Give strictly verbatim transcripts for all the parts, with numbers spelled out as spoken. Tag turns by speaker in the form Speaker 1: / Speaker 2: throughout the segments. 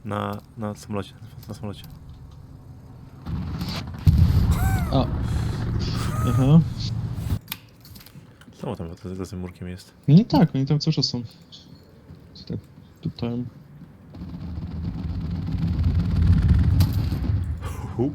Speaker 1: Na, na samolocie, na samolocie.
Speaker 2: A. Aha.
Speaker 1: Co tam za, za tym murkiem jest?
Speaker 2: No tak, oni tam cały czas są. Tak, tutaj.
Speaker 1: Hu.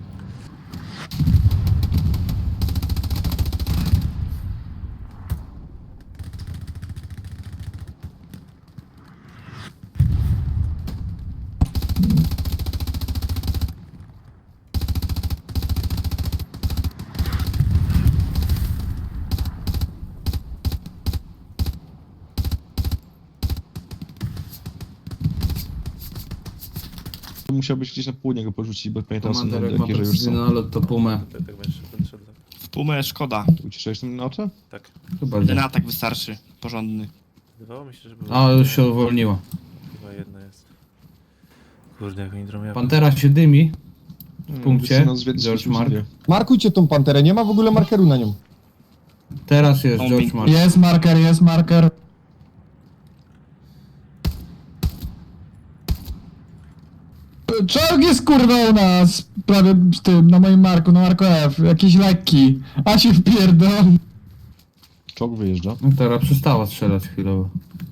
Speaker 2: To musiał być gdzieś na południe go porzucić, bo pamiętam są
Speaker 3: Komander, jak ma
Speaker 2: takie, że już
Speaker 3: precyzyjny
Speaker 2: są.
Speaker 3: nalot, to pumę.
Speaker 1: Tak, tak będziesz, będę szedł.
Speaker 4: W pumę szkoda.
Speaker 2: Uciszałeś tym na oczy?
Speaker 1: Tak.
Speaker 3: Chyba
Speaker 4: Jeden
Speaker 3: nie.
Speaker 4: atak wystarczy. Porządny.
Speaker 1: Wydawało mi się, że było.
Speaker 3: A, już się uwolniła.
Speaker 1: Chyba jedna jest. Kurde, jak oni drą
Speaker 3: Pantera się dymi.
Speaker 2: W
Speaker 3: punkcie, George Mark.
Speaker 5: Markujcie tą panterę, nie ma w ogóle markeru na nią.
Speaker 3: Teraz jest
Speaker 4: Bombing.
Speaker 3: George Mark.
Speaker 6: Jest marker, jest marker. Czołg jest kurwa u nas, prawie z tym, na moim marku, na marku F, jakiś lekki, a się wpierdol.
Speaker 2: Czołg wyjeżdża.
Speaker 3: No teraz przestała strzelać chwilowo.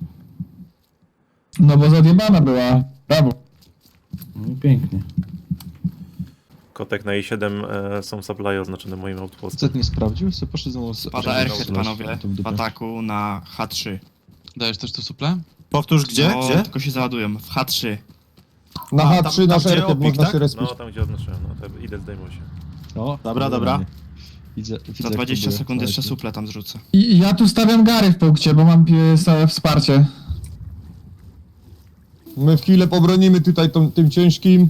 Speaker 6: No bo zadjebana była, brawo.
Speaker 3: No i pięknie.
Speaker 1: Kotek na i siedem e, są supply oznaczone moim outpostem.
Speaker 2: Z nie sprawdził? Co poszedł znowu z...
Speaker 4: Pada airhead, panowie,
Speaker 2: To w
Speaker 4: w
Speaker 2: dupę.
Speaker 4: ataku na H trzy.
Speaker 7: Dajesz też to suple?
Speaker 4: Powtórz gdzie? No, gdzie? Tylko się załadują. W H trzy.
Speaker 5: Na
Speaker 7: A,
Speaker 5: H
Speaker 7: tam-
Speaker 5: trzy
Speaker 7: tam
Speaker 5: nasz
Speaker 7: gdzie
Speaker 5: airhead
Speaker 7: opik,
Speaker 5: można
Speaker 7: tak?
Speaker 5: się respić.
Speaker 1: No tam gdzie oznaczyłem, no to idę zdejmuj się.
Speaker 2: O,
Speaker 7: Dobra, dobra.
Speaker 2: Widzę, widzę,
Speaker 4: Za
Speaker 2: jak
Speaker 4: dwadzieścia
Speaker 2: próbuje.
Speaker 4: sekund jeszcze
Speaker 2: Leci.
Speaker 4: suple tam zrzucę.
Speaker 6: I i ja tu stawiam Gary w punkcie, bo mam e, stałe wsparcie.
Speaker 5: My w chwilę pobronimy tutaj tą, tym ciężkim.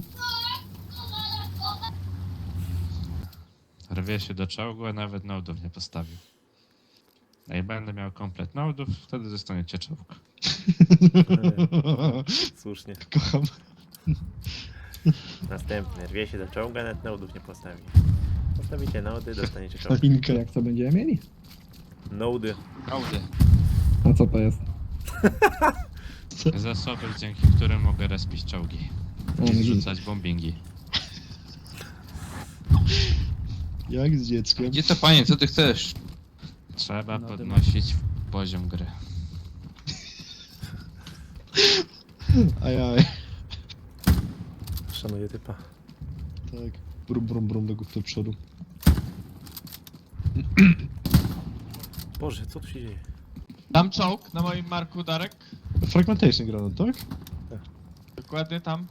Speaker 8: Rwie się do czołgu, a nawet nodów nie postawił. Jak będę miał komplet nodów, wtedy zostaniecie czołg.
Speaker 1: Słusznie.
Speaker 2: Kocham.
Speaker 1: Następny. Rwie się do czołga, nawet nodów nie postawi. Postawicie nody, dostaniecie czołg.
Speaker 2: Linkę.
Speaker 6: Jak to będziemy mieli?
Speaker 1: Nody.
Speaker 4: Hałdy.
Speaker 6: A co to jest?
Speaker 8: Zasoby, dzięki którym mogę respić czołgi. I zrzucać bombingi.
Speaker 2: Jak z dzieckiem.
Speaker 7: Gdzie to panie, co ty chcesz?
Speaker 8: Trzeba podnosić poziom gry.
Speaker 2: Ajaj.
Speaker 1: Szanuję typa.
Speaker 2: Tak. Brum, brum, brum do, do przodu.
Speaker 1: Boże, co tu się dzieje?
Speaker 7: Tam czołg na moim marku, Darek.
Speaker 2: Fragmentation granat, tak?
Speaker 7: Dokładnie tam.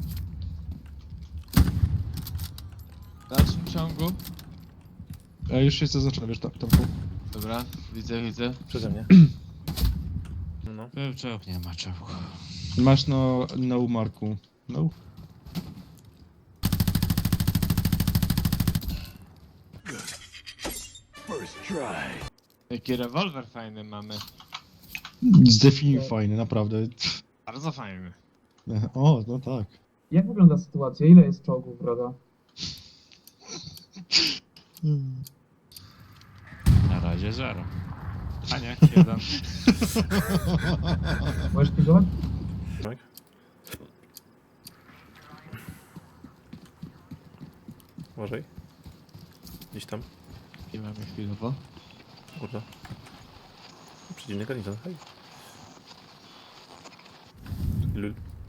Speaker 7: W dalszym ciągu.
Speaker 2: A już jest zaznaczone, wiesz, tam, tam tu.
Speaker 7: Dobra, widzę, widzę.
Speaker 1: Przeze mnie. No.
Speaker 8: Był czołg, nie ma czołgu.
Speaker 2: Masz na, na umarku. No.
Speaker 7: Jaki rewolwer fajny mamy.
Speaker 2: Zdefiniuj fajny, naprawdę.
Speaker 7: Bardzo fajny.
Speaker 2: O, no tak.
Speaker 6: Jak wygląda sytuacja? Ile jest czołgów, broda?
Speaker 8: Na razie zero. A nie, jeden.
Speaker 6: Możesz pilnować?
Speaker 1: Tak? Uważaj. Gdzieś tam.
Speaker 7: I mamy chwilowo.
Speaker 1: Kurde. Przeciwny garnizon, hej. Lul.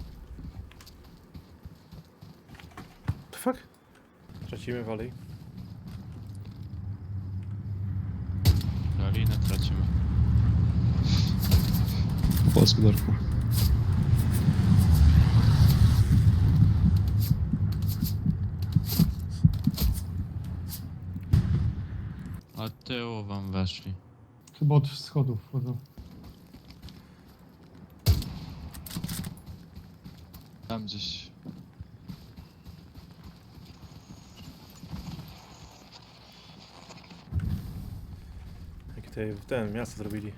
Speaker 1: The fuck? Tracimy walej.
Speaker 8: Dolinę tracimy.
Speaker 2: Po polsku, Darku.
Speaker 8: Od tyłu wam weszli.
Speaker 6: Chyba od schodów wchodzą.
Speaker 7: Tam gdzieś.
Speaker 1: Jakie tutaj ten miasto zrobili.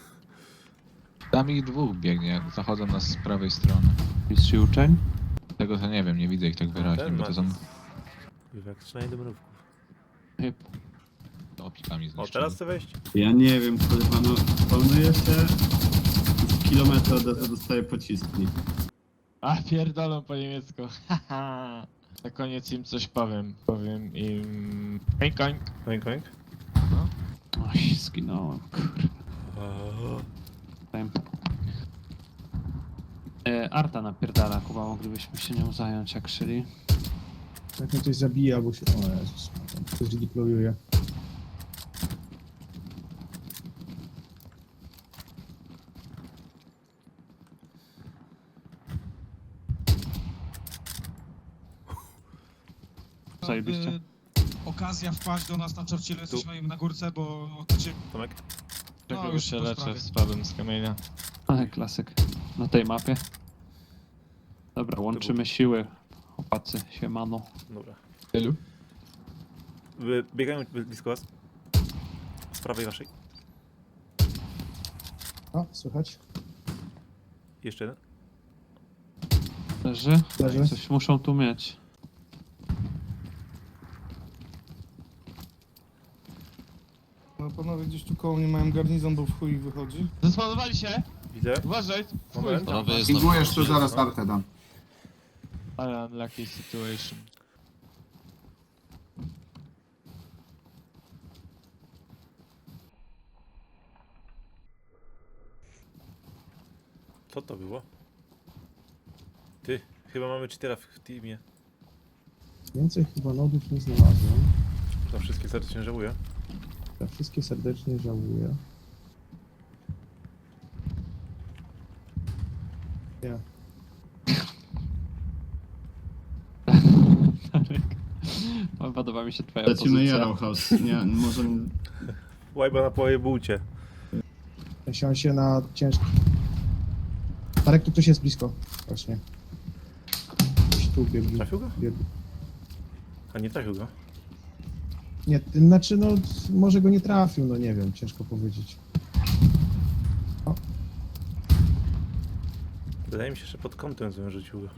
Speaker 7: Tam ich dwóch biegnie, zachodzą nas z prawej strony. Mistrz uczeń? Tego
Speaker 9: tego to nie wiem, nie widzę ich tak wyraźnie,
Speaker 1: Ten
Speaker 9: bo
Speaker 1: ma...
Speaker 9: to są
Speaker 1: Jak strzelanie do mrówków.
Speaker 9: opikami
Speaker 1: O,
Speaker 9: zniszczone.
Speaker 1: teraz chcę wejść?
Speaker 10: Ja nie wiem, kurwa, no planuje się z kilometra od razu dostaję pociski.
Speaker 7: A pierdolą po niemiecku. Haha. Na koniec im coś powiem. Powiem im... Koink, koink.
Speaker 1: Koink, koink.
Speaker 10: Oj, zginąłem, kurwa. Tempo. E, Arta napierdala, Kuba, moglibyśmy się nią zająć, jak szyli.
Speaker 5: Jak mnie ktoś zabije albo się... O Jezus, tam ktoś deployuje.
Speaker 10: Zajebiście.
Speaker 11: Y, okazja wpaść do nas na Churchillu, jesteśmy im na górce, bo otoczyli.
Speaker 1: Tomek?
Speaker 7: Czego
Speaker 11: No,
Speaker 7: już
Speaker 11: już
Speaker 7: się
Speaker 11: po
Speaker 7: leczę,
Speaker 11: sprawie.
Speaker 7: spadłem z kamienia.
Speaker 10: Ale klasyk. Na tej mapie. Dobra, łączymy siły. Chłopacy, siemano.
Speaker 1: Dobra.
Speaker 6: Tylu?
Speaker 1: Wy- Biegają blisko was. Z prawej waszej.
Speaker 5: O, słychać?
Speaker 1: Jeszcze jeden.
Speaker 10: Leży?
Speaker 5: Leży.
Speaker 10: Coś muszą tu mieć.
Speaker 11: No panowie gdzieś tu koło mnie mają garnizon, bo w chuj wychodzi.
Speaker 7: Zaspanowali się!
Speaker 1: Widzę.
Speaker 7: Uważaj!
Speaker 1: Moment.
Speaker 9: Pingujesz
Speaker 11: tu zaraz tartę
Speaker 9: dam.
Speaker 7: Ale unlucky situation.
Speaker 1: Co to było? Ty, chyba mamy cheatera w teamie.
Speaker 5: Więcej chyba nodów nie znalazłem.
Speaker 1: Za wszystkie serdecznie żałuję.
Speaker 5: Za wszystkie serdecznie żałuję. Nie.
Speaker 10: Podoba mi się twoja Lecimy pozycja. Yarrowhouse. Nie, może...
Speaker 1: Łajba na poje bułcie.
Speaker 5: Siąść się na ciężki. Marek, tu ktoś jest blisko. Właśnie. Gdzieś tu biegł.
Speaker 1: Trafił go?
Speaker 5: biegł.
Speaker 1: A nie trafił go.
Speaker 5: Nie, t- znaczy no, może go nie trafił, no nie wiem, ciężko powiedzieć.
Speaker 1: Wydaje mi się, że pod kątem złym rzucił go.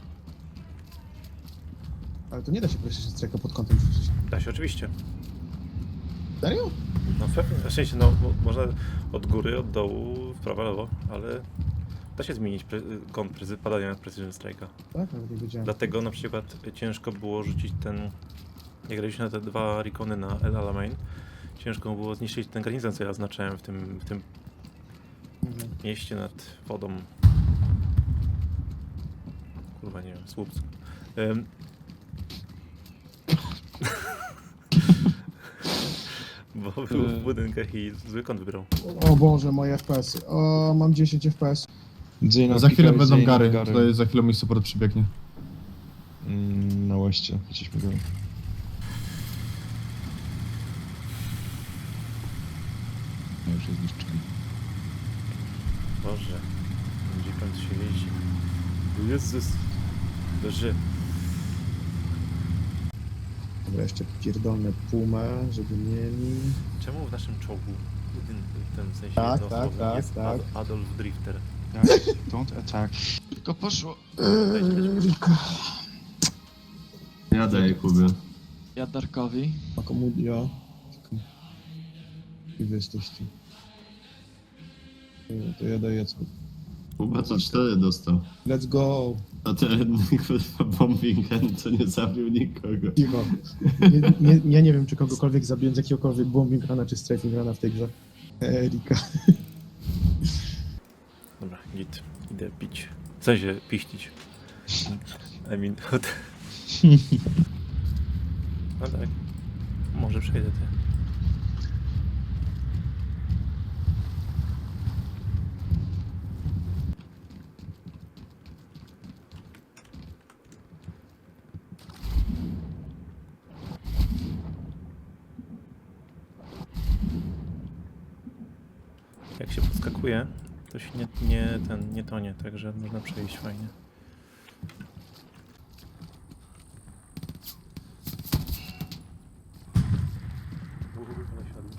Speaker 5: Ale to nie da się prosić strajka pod kątem rzucić.
Speaker 1: Da się oczywiście.
Speaker 5: Serio?
Speaker 1: No pewnie, w sensie no mo- można od góry, od dołu, w prawo, lewo, ale da się zmienić pre- kąt prezy- padania Precision Strike'a.
Speaker 5: Tak, nawet nie wiedziałem.
Speaker 1: Dlatego na przykład ciężko było rzucić ten, jak graliśmy na te dwa Recony na El Alamein, ciężko było zniszczyć ten garnizon, co ja oznaczałem w tym, w tym
Speaker 5: Mhm.
Speaker 1: mieście nad wodą. Kurwa, nie wiem, Słupsk. Ym. Bo był w budynkach i zły kąt wybrał.
Speaker 5: O Boże, moje F P S. O, mam dziesięć F P S.
Speaker 2: Zeyna
Speaker 6: Za chwilę
Speaker 2: pika,
Speaker 6: będą
Speaker 2: Zeyna
Speaker 6: gary.
Speaker 2: gary.
Speaker 6: Tutaj za chwilę mój support przybiegnie.
Speaker 2: Mm, na łeście, chcieliśmy go.
Speaker 9: No już jest zniszczony.
Speaker 1: Boże, gdzie pan tu się jeździ? Jezus, Boże.
Speaker 5: Dobra, jeszcze pierdolne pumę, żeby mieli.
Speaker 1: Czemu w naszym czołgu, jeden, w tym sensie
Speaker 5: Tak,
Speaker 1: jednosłownym,
Speaker 5: tak, tak,
Speaker 1: jest
Speaker 5: tak.
Speaker 1: Ad- Adolf Drifter?
Speaker 4: Don't attack.
Speaker 7: Tylko poszło.
Speaker 10: Ja daję Kubie.
Speaker 7: Ja Darkowi.
Speaker 5: Akomudio. I wy jesteście. Nie, to ja daję co.
Speaker 10: Kuba co cztery dostał.
Speaker 5: Let's go!
Speaker 10: A ten kurwa bombing hand, co nie zabił nikogo.
Speaker 5: Cicho. Nie, nie, ja nie wiem, czy kogokolwiek zabiłem z jakiegokolwiek bombing rana czy strafing rana w tej grze. Erika.
Speaker 1: Dobra, git, idę pić. W sensie, piścić. I mean, no tak, może przejdę te. Jak się podskakuje, to się nie, nie, ten, nie tonie, także można przejść fajnie. Uuu, ale siadło.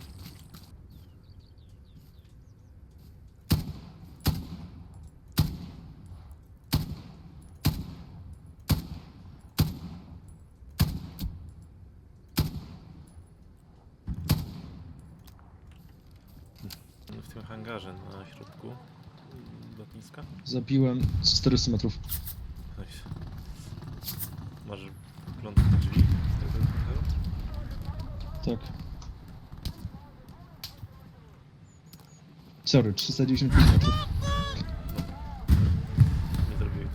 Speaker 1: hangarze na środku lotniska.
Speaker 2: Zabiłem z czterystu metrów.
Speaker 1: Nice. Masz wgląd na drzwi z tego hangaru?
Speaker 2: Tak. Sorry, trzysta dziewięćdziesiąt pięć metrów.
Speaker 1: Nie zrobiłeś.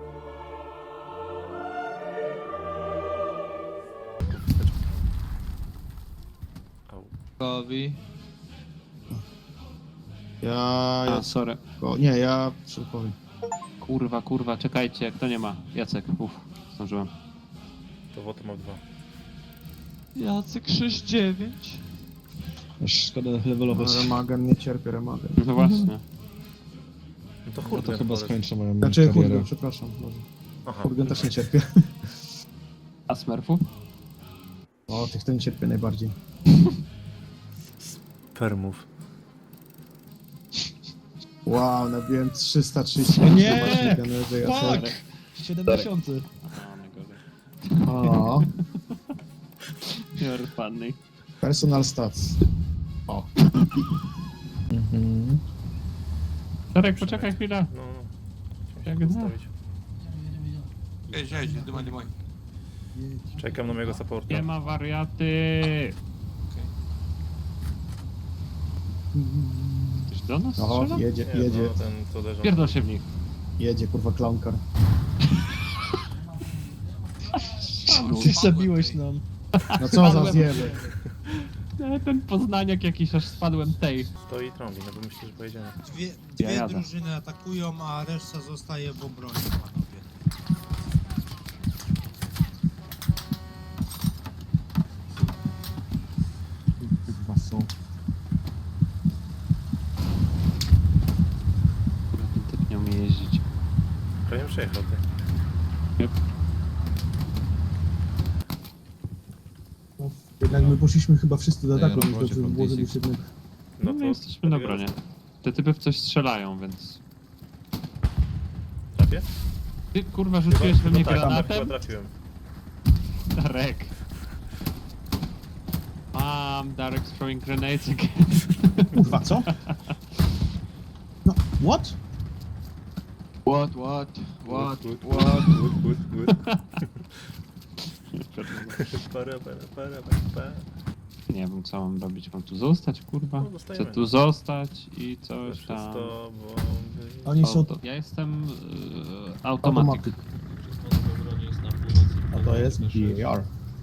Speaker 1: Au.
Speaker 7: Gotowi.
Speaker 5: Ja...
Speaker 10: A,
Speaker 5: ja
Speaker 10: sorry.
Speaker 5: o, nie, ja przypowiem.
Speaker 10: Kurwa, kurwa, czekajcie, kto nie ma? Jacek, uff, zdążyłem.
Speaker 1: To woto ma dwa.
Speaker 7: Jacek sześć dziewięć.
Speaker 2: Aż szkoda levelować.
Speaker 5: Remagen, nie cierpię remagen.
Speaker 10: No właśnie.
Speaker 1: No to
Speaker 2: Ja
Speaker 1: hurgen
Speaker 2: to chyba
Speaker 1: Forest.
Speaker 2: skończę moją
Speaker 5: Znaczy,
Speaker 2: karierę.
Speaker 5: Hurgen, przepraszam. Może.
Speaker 1: Aha.
Speaker 5: Hurgen też nie cierpię.
Speaker 10: A Smurfu?
Speaker 5: O, tych to nie cierpię najbardziej.
Speaker 1: Permów.
Speaker 5: Wow, nabiłem trzysta trzydzieści.
Speaker 2: O nie!
Speaker 5: Fuck!
Speaker 2: siedem tysięcy.
Speaker 10: A, najgorzej.
Speaker 5: O,
Speaker 10: You're funny.
Speaker 5: personal stats. O.
Speaker 2: Mhm.
Speaker 10: Darek, poczekaj chwilę.
Speaker 1: No, no. Chciałem
Speaker 10: Jak
Speaker 1: się
Speaker 10: zna.
Speaker 1: postawić. Czekam na mojego supporta.
Speaker 10: Nie ma wariaty. Ktoś do nas
Speaker 5: O,
Speaker 10: strzela?
Speaker 5: jedzie,
Speaker 1: Nie,
Speaker 5: jedzie,
Speaker 1: no, ten co leżał.
Speaker 10: Pierdol się w nich.
Speaker 5: jedzie, kurwa, clownkar.
Speaker 2: Ty zabiłeś nam.
Speaker 5: No co za zjeby.
Speaker 10: E, Ten poznaniak jakiś, aż spadłem tej.
Speaker 1: Stoi trąbi, no bo myślę, że pojedziemy.
Speaker 12: Dwie,
Speaker 10: Ja
Speaker 12: dwie
Speaker 10: jadę.
Speaker 12: drużyny atakują, a reszta zostaje w obronie, panowie.
Speaker 5: Kurwa są.
Speaker 10: Kurwa, ten typ nie umie jeździć.
Speaker 1: Prawie przejechał ty.
Speaker 10: Yep.
Speaker 5: Jednak my poszliśmy chyba wszyscy do
Speaker 9: Ej,
Speaker 5: ataku, więc
Speaker 9: robocie
Speaker 5: dobrze by było,
Speaker 9: from
Speaker 5: żebyś jednak...
Speaker 10: No, my jesteśmy na obronie. Te typy w coś strzelają, więc...
Speaker 1: Trafię?
Speaker 10: Ty kurwa rzuciłeś we mnie
Speaker 1: tak, chyba
Speaker 10: granatem?
Speaker 1: trafiłem.
Speaker 10: Darek. Mom, Darek's throwing grenades again.
Speaker 5: Kurwa, co? No, what?
Speaker 7: What, what, what,
Speaker 1: Good, good,
Speaker 7: what?
Speaker 1: good, good, good. Para, para, para, para, para.
Speaker 10: Nie wiem co mam robić, mam tu zostać kurwa?
Speaker 1: No,
Speaker 10: Chcę
Speaker 1: zostajemy.
Speaker 10: tu zostać i coś
Speaker 1: Przez
Speaker 10: tam.
Speaker 1: to, bo...
Speaker 5: Oni są...
Speaker 10: Auto. Ja jestem yy, automatyk.
Speaker 5: A to jest B A R.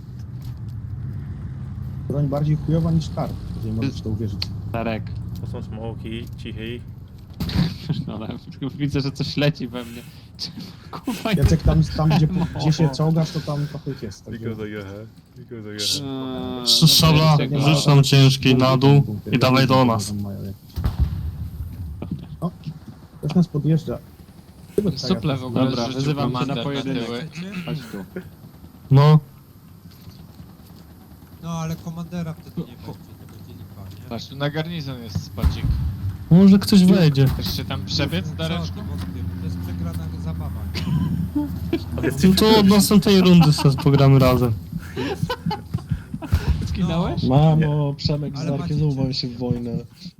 Speaker 5: Broń bardziej chujowa niż kar, jeżeli możesz w to uwierzyć.
Speaker 10: Darek.
Speaker 1: To są smoki, cichy.
Speaker 10: No, ale widzę, że coś leci we mnie. Kurwa,
Speaker 5: Jacek, tam, tam gdzie,
Speaker 10: No.
Speaker 5: gdzie się czołgasz, to tam trochę ich jest. także-
Speaker 1: Because I have, because I have.
Speaker 10: Eee,
Speaker 6: Szabla,
Speaker 10: no,
Speaker 6: rzuć nam ciężki na dół i dawaj do nas.
Speaker 5: O, ktoś nas podjeżdża.
Speaker 7: Suple w ogóle
Speaker 10: Dobra,
Speaker 7: zrzucił
Speaker 10: wyzywam cię na
Speaker 7: komander
Speaker 10: pojedynek.
Speaker 7: tyły.
Speaker 10: Chodź tu.
Speaker 6: No,
Speaker 12: No ale komandera wtedy nie będzie, to będzie lipa, nie?
Speaker 7: Patrz, tu na garnizon jest spadzik.
Speaker 6: może ktoś wejdzie.
Speaker 7: Chcesz się tam przebiec,
Speaker 12: Co
Speaker 7: Dareczku?
Speaker 12: ty wątpię, to jest przegrana zabawa.
Speaker 6: No to od następnej rundy sobie pogramy razem.
Speaker 10: Skinąłeś?
Speaker 2: Mamo, Przemek z
Speaker 12: Ale
Speaker 2: Darkiem
Speaker 12: macie
Speaker 2: znowu
Speaker 12: czym.
Speaker 2: bawią się w wojnę.